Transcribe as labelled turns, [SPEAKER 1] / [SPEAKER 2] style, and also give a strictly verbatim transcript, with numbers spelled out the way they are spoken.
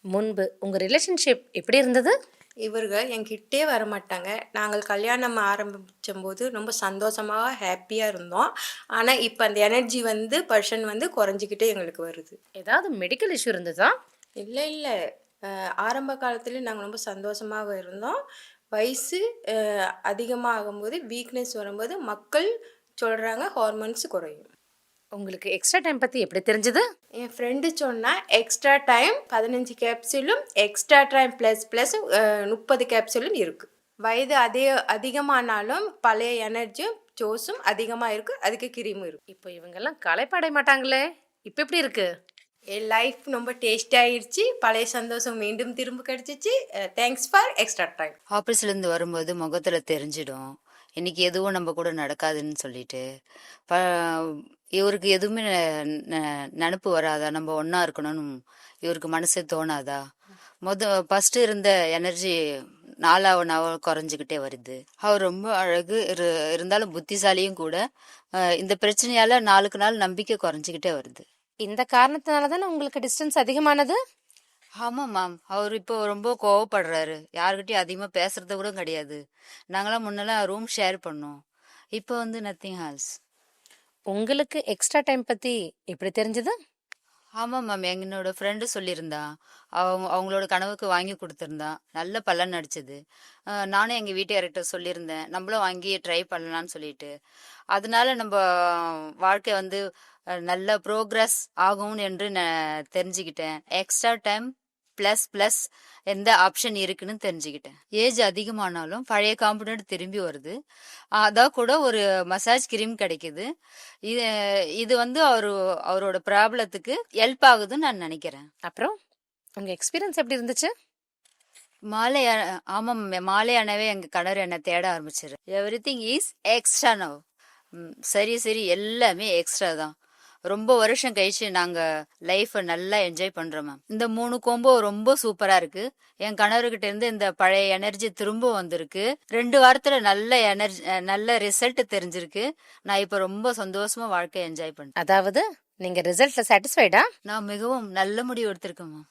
[SPEAKER 1] முன்பு உங்க ரிலேஷன்ஷிப் எப்படி இருந்தது?
[SPEAKER 2] இவருக என்கிட்டயே வரமாட்டாங்க. நாங்கள் கல்யாணம் ஆரம்பிச்சம்போது ரொம்ப சந்தோஷமா, ஹேப்பியா இருந்தோம். ஆனா, இப்ப அந்த எனர்ஜி வந்து பெர்சன் வந்து குறைஞ்சுக்கிட்டே எங்களுக்கு வருது.
[SPEAKER 1] ஏதாவது மெடிக்கல் இஷ்யூ இருந்ததா?
[SPEAKER 2] இல்ல, இல்ல. அ ஆரம்ப காலத்திலே நாங்க ரொம்ப சந்தோஷமாவே இருந்தோம். வயசு அ அதிகமாகும்போது, வீக்னஸ் வரும்போது மக்கள் சொல்றாங்க ஹார்மோன்ஸ் குறையும்.
[SPEAKER 1] உங்களுக்கு எக்ஸ்ட்ரா டைம் பத்தி எப்படி தெரிஞ்சது?
[SPEAKER 2] என் ஃப்ரெண்டு சொன்னா, எக்ஸ்ட்ரா டைம் பதினைந்து கேப்சூலும், எக்ஸ்ட்ரா டைம் பிளஸ் பிளஸ் அ முப்பது கேப்சூலும் இருக்கு. வயது அதே அதிகமானாலும் பழைய எனர்ஜியும், ஜோஸும் அதிகமா இருக்கு. அதுக்கு கிரீமும் இருக்கு.
[SPEAKER 1] இப்போ இவங்கெல்லாம் களைப்பாடைய மாட்டாங்களே! இப்ப எப்படி இருக்கு?
[SPEAKER 2] என் லைஃப் ரொம்ப டேஸ்டி ஆயிருச்சு. பழைய சந்தோஷம் மீண்டும் திரும்ப கிடைச்சிச்சு. Uh thanks for extra time.
[SPEAKER 3] ஆஃபீஸ்லேருந்து வரும்போது முகத்துல தெரிஞ்சிடும். இன்னைக்கு எதுவும் நம்ம கூட நடக்காதுன்னு சொல்லிட்டு ப இவருக்கு எதுவுமே நெ- நெ- நினப்பு வராதா? நம்ம ஒண்ணா இருக்கணும்னு இவருக்கு மனசே தோணாதா? மொத ஃபர்ஸ்ட் இருந்த எனர்ஜி நாளாவ நாவ குறைஞ்சிக்கிட்டே வருது. அவர் ரொம்ப அழகு இரு இருந்தாலும் புத்திசாலியும் கூட. அஹ் இந்த பிரச்சனையால நாளுக்கு நாள் நம்பிக்கை குறைஞ்சிக்கிட்டே வருது.
[SPEAKER 1] இந்த காரணத்தினால தானே உங்களுக்கு டிஸ்டன்ஸ் அதிகமானது?
[SPEAKER 3] ஆமா மேம், அவர் இப்போ ரொம்ப கோவப்படுறாரு. யாருக்கிட்டயும் அதிகமா பேசுறது கூட கிடையாது. நாங்களாம் முன்னெல்லாம் ரூம் ஷேர் பண்ணோம். இப்போ வந்து நத்திங் ஹால்ஸ்.
[SPEAKER 1] உங்களுக்கு எக்ஸ்ட்ரா டைம் பத்தி எப்படி தெரிஞ்சது?
[SPEAKER 3] ஆமா மேம், என்னோட ஃப்ரெண்டு சொல்லியிருந்தா. அவங்க அவங்களோட கனவுக்கு வாங்கி கொடுத்துருந்தா. நல்ல பலன் அடிச்சது. அஹ் நானும் எங்க வீட்டுக்காரர்கிட்ட சொல்லியிருந்தேன், நம்மளும் வாங்கி ட்ரை பண்ணலாம்னு சொல்லிட்டு. அதனால நம்ம வாழ்க்கை வந்து அஹ், நல்ல ப்ரோக்ரஸ் ஆகும் என்று நான் தெரிஞ்சுக்கிட்டேன். எக்ஸ்ட்ரா டைம் பிளஸ் பிளஸ் எந்த ஆப்ஷன் இருக்குன்னு தெரிஞ்சுக்கிட்டேன். ஏஜ் அதிகமானாலும் பழைய காம்பனண்ட் திரும்பி வருது. அதான் கூட ஒரு மசாஜ் கிரீம் கிடைக்குது. இது இது வந்து அவரு அவரோட ப்ராப்ளத்துக்கு ஹெல்ப் ஆகுதுன்னு நான் நினைக்கிறேன்.
[SPEAKER 1] அப்புறம் உங்க எக்ஸ்பீரியன்ஸ் எப்படி இருந்துச்சு?
[SPEAKER 3] மாலை அ- ஆமாம் மே- மாலை அணவே எங்க கணவர் என்ன தேட ஆரம்பிச்சிரு. Everything is extra now. சரி சரி, எல்லாமே எக்ஸ்ட்ரா தான். ரொம்ப வருஷம் கழிச்சு நாங்க லைஃப நல்லா என்ஜாய் பண்றோம் மேம். இந்த மூணு கோம்போ ரொம்ப சூப்பரா இருக்கு. என் கணவர்கிட்ட இருந்து இந்த பழைய எனர்ஜி திரும்ப வந்திருக்கு. ரெண்டு வாரத்துல நல்ல எனர்ஜி, நல்ல ரிசல்ட் தெரிஞ்சிருக்கு. நான் இப்ப ரொம்ப சந்தோஷமா வாழ்க்கையை என்ஜாய் பண்றேன்.
[SPEAKER 1] அதாவது நீங்க ரிசல்ட்ல சாட்டிஸ்ஃபைடா?
[SPEAKER 3] நான் மிகவும் நல்ல முடிவு எடுத்திருக்கேன் மேம்.